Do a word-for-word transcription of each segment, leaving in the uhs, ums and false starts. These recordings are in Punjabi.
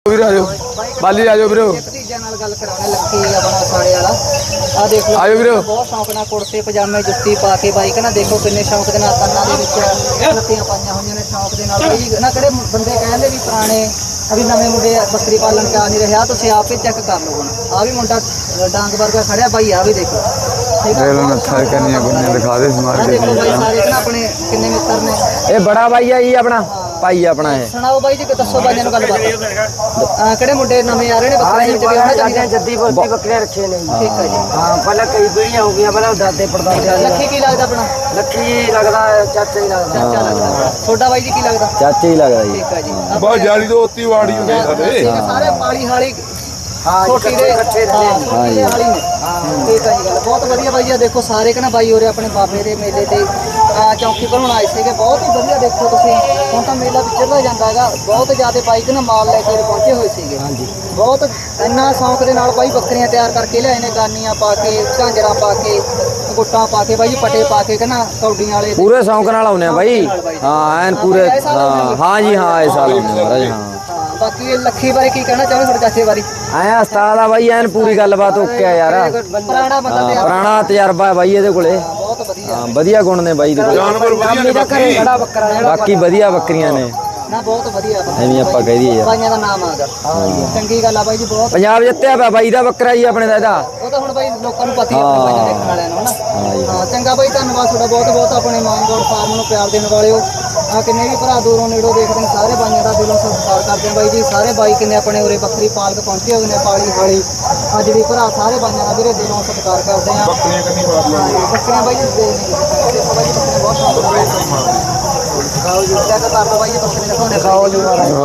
ਵੀਰੇ ਆਜੋ ਬਾਲੀ ਆਜੋ ਵੀਰੇ ਭਤੀਜਿਆਂ ਨਾਲ ਗੱਲ ਕਰਾਉਣਾ ਲੱਕੀ ਆਪਣਾ ਸਾੜੇ ਵਾਲਾ ਆ ਦੇਖ ਲਓ ਆਜੋ ਵੀਰੇ ਬਹੁਤ ਸ਼ੌਂਕ ਨਾਲ ਕੁੜਤੇ ਪਜਾਮੇ ਜੁੱਤੀ ਪਾ ਕੇ ਬਾਈ ਕਹਿੰਦਾ ਦੇਖੋ ਕਿੰਨੇ ਸ਼ੌਂਕ ਦੇ ਨਾਲ ਕੰਨਾਂ ਦੇ ਵਿੱਚ ਲੱਤੀਆਂ ਪਾਈਆਂ ਹੋਈਆਂ ਨੇ ਸ਼ੌਂਕ ਦੇ ਨਾਲ ਬਈ ਨਾ ਕਿਹੜੇ ਬੰਦੇ ਕਹਿੰਦੇ ਵੀ ਪੁਰਾਣੇ ਅਭੀ ਨਵੇਂ ਮੁੰਡੇ ਬੱਕਰੀ ਪਾਲਣ ਚ ਆ ਨਹੀਂ ਰਿਹਾ ਤੁਸੀਂ ਆਪ ਹੀ ਚੈੱਕ ਕਰ ਲਓ ਹੁਣ ਆ ਵੀ ਮੁੰਡਾ ਡਾਂਗ ਵਰਗਾ ਖੜਿਆ ਬਾਈ ਆ ਵੀ ਦੇਖੋ ਦੇਖ ਲਓ ਨੱਥਾ ਕੰਨੀਆਂ ਗੁੰਨੀਆਂ ਦਿਖਾ ਦੇ ਸਮਾਰ ਕੇ ਦੇਖੋ ਬਾਈ ਸਾਰੇ ਨਾ ਆਪਣੇ ਕਿੰਨੇ ਮਿੱਤਰ ਨੇ ਇਹ ਬੜਾ ਬਾਈ ਆ ਜੀ ਆਪਣਾ ਭਾਈ ਆਪਣਾ ਇਹ ਸੁਣਾਓ ਬਾਈ ਜੀ ਦੱਸੋ ਬਾਈਆਂ ਨੂੰ ਗੱਲਬਾਤ ਆ ਕਿਹੜੇ ਮੁੰਡੇ ਨਵੇਂ ਆ ਰਹੇ ਨੇ ਬੱਕਰੀਆਂ ਵਿੱਚ ਵੀ ਆਉਣਾ ਚਾਹੀਦਾ ਜੱਦੀ ਬੋਲਦੀ ਬੱਕਰੀਆਂ ਰੱਖੇ ਨੇ ਠੀਕ ਹੈ ਜੀ ਹਾਂ ਪਹਿਲਾਂ ਕਈ ਪੀੜੀਆਂ ਹੋ ਗਈਆਂ ਪਹਿਲਾਂ ਦਾਦੇ ਪੜਦਾਦੇ ਲੱਕੀ ਕੀ ਲੱਗਦਾ ਆਪਣਾ ਲੱਕੀ ਲੱਗਦਾ ਚਾਚਾ ਹੀ ਲੱਗਦਾ ਚਾਚਾ ਲੱਗਦਾ ਤੁਹਾਡਾ ਬਾਈ ਜੀ ਕੀ ਲੱਗਦਾ ਚਾਚਾ ਹੀ ਲੱਗਦਾ ਜੀ ਠੀਕ ਹੈ ਜੀ ਬਹੁਤ ਜਾਲੀ ਤੋਂ ਉੱਤੀ ਵਾੜੀ ਹੁੰਦੀ ਸਾਡੇ ਸਾਰੇ ਪਾਲੀ ਹਾਲੀ ਹਾਂ ਛੋਟੀ ਦੇ ਇਕੱਠੇ ਰਹਿੰਦੇ ਨੇ ਹਾਂ ਜੀ ਹਾਲੀ ਨੇ ਠੀਕ ਹੈ ਜੀ ਗੱਲ ਬਹੁਤ ਵਧੀਆ ਬਾਈ ਜੀ ਦੇਖੋ ਸਾਰੇ ਕਹਿੰਦਾ ਬਾਈ ਹੋਰੇ ਆਪਣੇ ਬਾਬੇ ਦੇ ਮੇਲੇ ਤੇ ਆ ਚੌਂਕੀ ਬਣਾਉਣ ਆਏ ਸੀਗੇ ਬਹੁਤ ਹੀ ਵਧੀਆ ਦੇਖੋ ਤੁਸੀਂ ਹੁਣ ਤਾਂ ਮੇਲਾ ਵਿਚਰਦਾ ਜਾਂਦਾ ਹੈਗਾ ਬਹੁਤ ਜ਼ਿਆਦਾ ਬਾਈਕ ਨਾ ਮਾਲ ਲੈ ਕੇ ਪਹੁੰਚੇ ਹੋਏ ਸੀਗੇ ਹਾਂਜੀ ਬਹੁਤ ਇੰਨਾ ਸ਼ੌਂਕ ਦੇ ਨਾਲ ਬਾਈ ਬੱਕਰੀਆਂ ਤਿਆਰ ਕਰਕੇ ਲਿਆਏ ਨੇ ਗਾਨੀਆਂ ਪਾ ਕੇ ਝਾਂਜਰਾਂ ਪਾ ਕੇ ਗੁੱਟਾਂ ਪਾ ਕੇ ਬਾਈ ਪੱਟੇ ਪਾ ਕੇ ਕਹਿੰਦਾ ਕੌਡੀਆਂ ਵਾਲੇ ਪੂਰੇ ਸ਼ੌਂਕ ਨਾਲ ਆਉਨੇ ਆ ਬਾਈ ਹਾਂ ਐਨ ਪੂਰੇ ਹਾਂ ਹਾਂ ਜੀ ਹਾਂ ਇਸ ਸਾਲ ਆਉਂਦੇ ਮਹਾਰਾਜ ਹਾਂ ਬਾਕੀ ਲੱਖੀ ਬਾਰੇ ਕੀ ਕਹਿਣਾ ਚਾਹੋਗੇ ਤੁਹਾਡੇ ਚਾਚੇ ਬਾਰੇ ਐ ਉਸਤਾਦ ਆ ਬਾਈ ਐਨ ਪੂਰੀ ਗੱਲਬਾਤ ਓਕੇ ਆ ਯਾਰ ਪੁਰਾਣਾ ਬੰਦਾ ਤੇ ਪੁਰਾਣਾ ਤਜਰਬਾ ਹੈ ਬਾਈ ਇਹਦੇ ਕੋਲੇ ਬਹੁਤ ਵਧੀਆ ਹਾਂ ਵਧੀਆ ਗੁਣ ਨੇ ਬਾਈ ਦੇ ਕੋਲੇ ਜਾਨਵਰ ਵਧੀਆ ਨੇ ਘਰੇ ਖੜਾ ਬੱਕਰਾ ਜਿਹੜਾ ਬਾਕੀ ਵਧੀਆ ਬੱਕਰੀਆਂ ਨੇ ਨਾ ਬਹੁਤ ਵਧੀਆ ਐਵੇਂ ਆਪਾਂ ਕਹਿ ਦਈਏ ਯਾਰ ਬਾਈਆਂ ਦਾ ਨਾਮ ਆਗਾ ਚੰਗੀ ਗੱਲ ਆ ਬਾਈ ਜੀ ਬਹੁਤ ਪੰਜਾਬ ਜਿੱਤਿਆ ਪਿਆ ਬਾਈ ਦਾ ਬੱਕਰਾ ਜੀ ਆਪਣੇ ਦਾ ਇਹਦਾ ਉਹ ਤਾਂ ਹੁਣ ਬਾਈ ਲੋਕਾਂ ਨੂੰ ਪਤਾ ਹੀ ਆ ਆਪਣੇ ਬਾਈਆਂ ਦੇਖਣ ਵਾਲਿਆਂ ਨੂੰ ਹਨਾ ਹਾਂ ਚੰਗਾ ਬਾਈ ਧੰਨਵਾਦ ਤੁਹਾਡਾ ਬਹੁਤ ਬਹੁਤ ਆਪਣੇ ਮਾਨਗੋੜ ਫਾਰਮ ਨੂੰ ਪਿਆਰ ਦੇਣ ਵਾਲਿਓ ਆ ਕਿੰਨੇ ਵੀ ਭਰਾ ਦੂਰੋਂ ਨੇੜੋਂ ਦੇਖਦੇ ਨੇ ਸਾਰੇ ਬਾਈਆਂ ਦਾ ਦਿਲੋਂ ਸਤਿਕਾਰ ਕਰਦੇ ਆ ਬਾਈ ਜੀ ਸਾਰੇ ਬਾਈ ਕਿੰਨੇ ਆਪਣੇ ਉਰੇ ਬੱਕਰੀ ਪਾਲਕ ਪਹੁੰਚੇ ਹੋਏ ਨੇ ਪਾਲੀ ਹਾਲੀ ਅੱਜ ਵੀ ਭਰਾ ਸਾਰੇ ਬਾਈਆਂ ਦਾ ਵੀਰੇ ਦਿਲੋਂ ਸਤਿਕਾਰ ਕਰਦੇ ਆ ਬੱਕਰੀਆਂ ਕੰਨੀ ਮਾਰ ਲਓ ਬੱਕਰੀਆਂ ਬਾਈ ਜੀ ਦੇ ਨੇ ਦੇਖੋ ਬਾਈ ਜੀ ਬੱਕਰੀਆਂ ਬਹੁਤ ਸ਼ੌਂਕ ਨਾਲ ਖਾਓ ਜੀ ਕਿਆ ਕਰ ਲਓ ਬਾਈ ਜੀ ਬੱਕਰੀਆਂ ਦਿਖਾਉਣੇ ਖਾਓ ਜੀ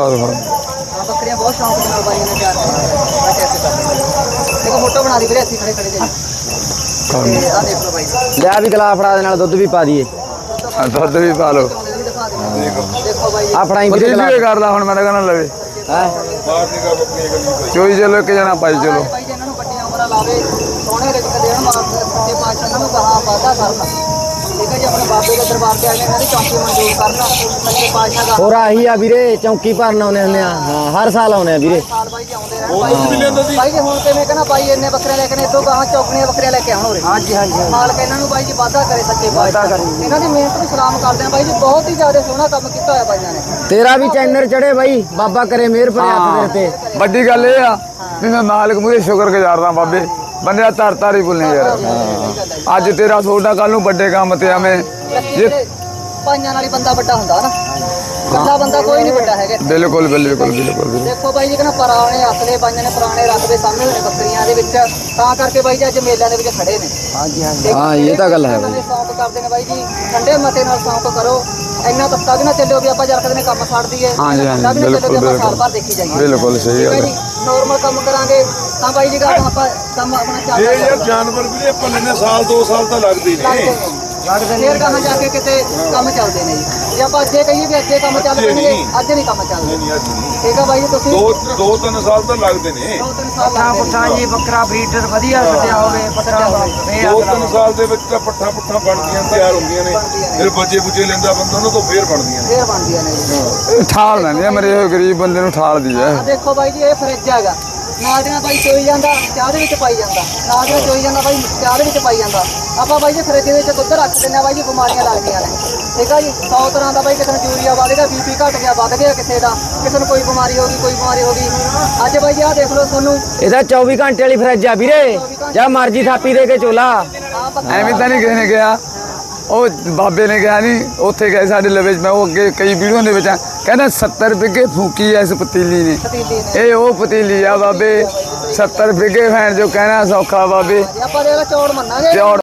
ਹਾਂ ਬੱਕਰੀਆਂ ਬਹੁਤ ਸ਼ੌਂਕ ਦੇ ਨਾਲ ਬਾਈਆਂ ਨੇ ਤਿਆਰ ਕੀਤੀਆਂ ਐਸੇ ਕਰਦੇ ਦੇਖੋ ਫੋਟੋ ਬਣਾ ਦੀ ਵੀਰੇ ਇੱਥੇ ਖੜੇ ਖੜੇ ਜੀ ਤੇ ਆ ਦੇਖ ਲਓ ਬਾਈ ਲਿਆ ਵੀ ਗਲਾ ਫੜਾ ਦੇ ਨਾਲ ਦੁੱਧ ਵੀ ਪਾ ਦਈਏ ਦੁੱਧ ਵੀ ਪਾ ਲਓ ਦੇਖੋ ਬਾਈ ਆ ਫੜਾਈ ਪਤੀ ਵੀਰੇ ਵੀ ਕਰ ਲਾ ਹੁਣ ਮੈਂ ਕਹਿੰਦਾ ਲਵੇ ਹੈ ਬਾਹਰ ਨਿਕਾ ਬੱਕਰੀਆਂ ਕੰਨੀ ਚੋਈ ਚਲੋ ਇੱਕ ਜਣਾ ਪਾਈ ਚਲੋ ਬਾਈ ਜੀ ਇਹਨਾਂ ਨੂੰ ਵੱਡੀਆਂ ਉਮਰਾਂ ਲਾਵੇ ਸੋਹਣੇ ਰਿਜ਼ਕ ਦੇਣ ਮਾਰ ਸੱਚੇ ਪਾਤਸ਼ਾਹ ਇਹਨਾਂ ਨੂੰ ਕਹਾ ਵਾਦਾ ਕਰਨਾ ਠੀਕ ਹੈ ਜੀ ਆਪਣੇ ਬਾਬੇ ਦੇ ਦਰਬਾਰ ਤੇ ਆਏ ਨੇ ਇਹਨਾਂ ਦੀ ਚੌਂਕੀ ਮਨਜ਼ੂਰ ਕਰਨਾ ਸੱਚੇ ਪਾਤਸ਼ਾਹ ਦਾ ਹੋਰ ਆਹੀ ਆ ਵੀਰੇ ਚੌਂਕੀ ਭਰਨ ਆਉਨੇ ਹੁੰਦੇ ਆ ਹਾਂ ਹਰ ਸਾਲ ਆਉਨੇ ਆ ਵੀਰੇ ਸਾਲ ਬਾਈ ਜੀ ਆਉਂਦੇ ਰਹਿਣ ਬਾਈ ਬਾਈ ਜੀ ਹੁਣ ਕਿਵੇਂ ਕਹਿੰਦਾ ਬਾਈ ਇੰਨੇ ਬੱਕਰੇ ਲੈ ਕੇ ਨੇ ਇਦੋਂ ਗਾਹਾਂ ਚੌਕਣੀਆਂ ਬੱਕਰੀਆਂ ਲੈ ਕੇ ਆਉਣ ਉਰੇ ਹਾਂਜੀ ਹਾਂਜੀ ਮਾਲਕ ਇਹਨਾਂ ਨੂੰ ਬਾਈ ਜੀ ਵਾਦਾ ਕਰੇ ਸੱਚੇ ਪਾਤਸ਼ਾਹ ਇਹਨਾਂ ਦੀ ਮਿਹਨਤ ਨੂੰ ਸਲਾਮ ਕਰਦੇ ਆ ਬਾਈ ਜੀ ਬਹੁਤ ਹੀ ਜ਼ਿਆਦਾ ਸੋਹਣਾ ਕੰਮ ਕੀਤਾ ਹੋਇਆ ਬਾਈਆਂ ਨੇ ਤੇਰਾ ਵੀ ਚੈਨਲ ਚੜੇ ਬਾਈ ਬਾਬਾ ਕਰੇ ਮਿਹਰ ਭਰੇ ਹੱਥ ਤੇਰੇ ਤੇ ਵੱਡੀ ਗੱਲ ਇਹ ਆ ਵੀ ਮੈਂ ਮਾਲਕ ਮੂਹਰੇ ਸ਼ੁਕਰ ਗੁਜ਼ਾਰਦਾ ਬਾਬੇ ਬੰਦਿਆ ਤਰ ਤਰ ਹੀ ਭੁੱਲਨੇ ਯਾਰ ਅੱਜ ਤੇਰਾ ਸੋਡਾ ਕੱਲ ਨੂੰ ਵੱਡੇ ਕੰਮ ਤੇ ਆਵੇਂ ਜੇ ਪਾਈਆਂ ਨਾਲ ਹੀ ਬੰਦਾ ਵੱਡਾ ਹੁੰਦਾ ਨਾ ਕੱਲਾ ਬੰਦਾ ਕੋਈ ਨਹੀਂ ਵੱਡਾ ਹੈਗਾ ਬਿਲਕੁਲ ਬਿਲਕੁਲ ਬਿਲਕੁਲ ਦੇਖੋ ਬਾਈ ਜੀ ਕਹਿੰਦਾ ਪੁਰਾਣੇ ਅਸਲੇ ਬਾਈਆਂ ਨੇ ਪੁਰਾਣੇ ਰਕਬੇ ਸਾਹਮਣੇ ਹੋਏ ਨੇ ਬੱਕਰੀਆਂ ਦੇ ਵਿੱਚ ਤਾਂ ਕਰਕੇ ਬਾਈ ਜੀ ਅੱਜ ਮੇਲਿਆਂ ਦੇ ਵਿੱਚ ਖੜੇ ਨੇ ਹਾਂਜੀ ਹਾਂਜੀ ਹਾਂ ਇਹ ਤਾਂ ਗੱਲ ਹੈ ਬਾਈ ਸ਼ੌਂਕ ਕਰਦੇ ਨੇ ਬਾਈ ਜੀ ਠੰਡੇ ਮਤੇ ਨਾਲ ਸ਼ੌਂਕ ਕਰੋ ਇੰਨਾ ਤੱਕਾ ਵੀ ਨਾ ਚੱਲਿਓ ਵੀ ਆਪਾਂ ਜਰਕਦੇ ਨੇ ਕੰਮ ਛੱਡ ਦਈਏ ਹਾਂਜੀ ਹਾਂਜੀ ਬਿਲਕੁਲ ਸਾਲ ਭਰ ਦੇਖੀ ਜਾਈਏ ਬਿਲਕੁਲ ਸਹੀ ਗੱਲ ਹੈ ਨੋਰਮਲ ਕੰਮ ਕਰਾਂਗੇ ਤਾਂ ਬਾਈ ਜੀ ਗੱਲ ਆਪਾਂ ਕੰਮ ਆਪਣਾ ਚੱਲਦਾ ਇਹ ਯਾਰ ਜਾਨਵਰ ਵੀ ਆਪਾਂ ਲੈਣੇ ਸਾਲ ਦੋ ਸਾਲ ਤਾਂ ਲੱਗਦੇ ਨੇ ਲੱਗਦੇ ਨੇ ਕਹਾਂ ਜਾ ਕੇ ਕਿਤੇ ਕੰਮ ਚੱਲਦੇ ਨੇ ਜੀ ਜੇ ਆਪਾਂ ਅੱਜੇ ਕਹੀਏ ਵੀ ਅੱਜੇ ਕੰਮ ਚੱਲ ਪੈਣਗੇ ਅੱਜ ਨਹੀਂ ਕੰਮ ਚੱਲਦੇ ਠੀਕ ਆ ਬਾਈ ਜੀ ਤੁਸੀਂ ਦੋ ਦੋ ਤਿੰਨ ਸਾਲ ਤਾਂ ਲੱਗਦੇ ਨੇ ਦੋ ਤਿੰਨ ਸਾਲ ਲੱਗਦੇ ਪੁੱਠਾ ਜੀ ਬੱਕਰਾ ਬਰੀਡਰ ਵਧੀਆ ਸੱਜਿਆ ਹੋਵੇ ਪੱਠਾ ਦੋ ਤਿੰਨ ਸਾਲ ਦੇ ਵਿੱਚ ਤਾਂ ਪੱਠਾ ਪੁੱਠਾ ਬਣਦੀਆਂ ਤਿਆਰ ਹੁੰਦੀਆਂ ਨੇ ਫਿਰ ਬੱਚੇ ਬੁੱਚੇ ਲੈਂਦਾ ਬੰਦਾ ਉਹਨਾਂ ਤੋਂ ਫੇਰ ਬਣਦੀਆਂ ਨੇ ਫੇਰ ਬਣਦੀਆਂ ਨੇ ਜੀ ਠਾਲ ਲੈਂਦੇ ਆ ਮੇਰੇ ਗਰੀਬ ਬੰਦੇ ਨੂੰ ਠਾਲ ਦੀ ਹੈ ਆ ਦੇਖੋ ਬਾਈ ਜੀ ਇਹ ਫਰਿੱਜ ਹੈਗਾ ਨਾਲ ਦੇ ਨਾਲ ਬਾਈ ਚੋਈ ਜਾਂਦਾ ਚਾਹ ਦੇ ਵਿੱਚ ਪਾਈ ਜਾਂਦਾ ਨਾਲ ਦੇ ਚੋਈ ਜਾਂਦਾ ਬਾਈ ਚਾਹ ਦੇ ਵਿੱਚ ਪਾਈ ਜਾਂਦਾ ਆਪਾਂ ਬਾਈ ਜੀ ਫਰਿੱਜ ਦੇ ਵਿੱਚ ਦੁੱਧ ਰੱਖ ਦਿੰਦੇ ਆ ਬਾਈ ਜੀ ਬਿਮਾਰੀਆਂ ਲੱਗਦੀਆਂ ਨੇ ਠੀਕ ਆ ਜੀ ਸੌ ਤਰ੍ਹਾਂ ਦਾ ਬਾਈ ਕਿਸੇ ਨੂੰ ਯੂਰੀਆ ਵੱਧ ਗਿਆ ਬੀਪੀ ਘਟ ਗਿਆ ਵੱਧ ਗਿਆ ਕਿਸੇ ਦਾ ਕਿਸੇ ਨੂੰ ਕੋਈ ਬਿਮਾਰੀ ਹੋ ਗਈ ਕੋਈ ਬਿਮਾਰੀ ਹੋ ਗਈ ਅੱਜ ਬਾਈ ਜੀ ਆਹ ਦੇਖ ਲਓ ਤੁਹਾਨੂੰ ਇਹਦਾ ਚੌਵੀ ਘੰਟੇ ਵਾਲੀ ਫਰਿੱਜ ਆ ਵੀਰੇ ਜਾਂ ਮਰਜ਼ੀ ਥਾਪੀ ਦੇ ਕੇ ਚੋਲਾ ਐਵੇਂ ਤਾਂ ਨਹੀਂ ਕਿਸੇ ਨੇ ਕਿਹਾ ਉਹ ਬਾਬੇ ਨੇ ਕਿਹਾ ਨਹੀਂ ਉੱਥੇ ਗਏ ਸਾਡੇ ਲਵੇ ਮੈਂ ਉਹ ਅੱਗੇ ਕਈ ਵੀਡੀਓ ਦੇ ਵਿੱਚ ਕਹਿੰਦਾ ਸੱਤਰ ਬਿੱਗੇ ਫੂਕੀ ਐ ਇਸ ਪਤੀਲੀ ਨੇ ਇਹ ਉਹ ਪਤੀਲੀ ਆ ਬਾਬੇ ਸੱਤਰ ਬਿੱਗੇ ਫੈਨ ਜੋ ਕਹਿਣਾ ਸੌਖਾ ਬਾਬੇ ਆਪਾਂ ਦੇ ਚੌੜ ਮੰਨਾਂਗੇ ਚੌੜ